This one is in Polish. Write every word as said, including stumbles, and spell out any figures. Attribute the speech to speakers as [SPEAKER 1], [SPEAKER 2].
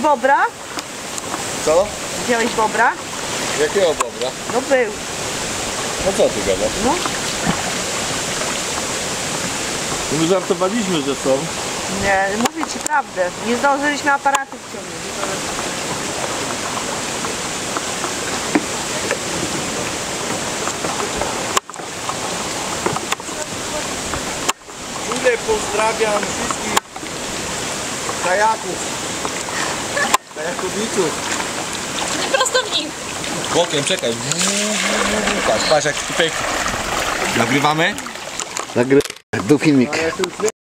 [SPEAKER 1] bobra?
[SPEAKER 2] Co?
[SPEAKER 1] Widziałeś bobra?
[SPEAKER 2] Jakiego bobra?
[SPEAKER 1] No był.
[SPEAKER 2] No co ty gadasz?
[SPEAKER 1] No.
[SPEAKER 2] My żartowaliśmy, że są.
[SPEAKER 1] Nie, mówię ci prawdę. Nie zdążyliśmy aparatu wciągnąć.
[SPEAKER 2] Czule pozdrawiam wszystkich kajaków. Kajakowiczów.
[SPEAKER 3] Prostownik.
[SPEAKER 2] Bokiem, czekaj. Patrz, patrz jak tutaj. Nagrywamy?
[SPEAKER 4] Nagry... Tu filmik.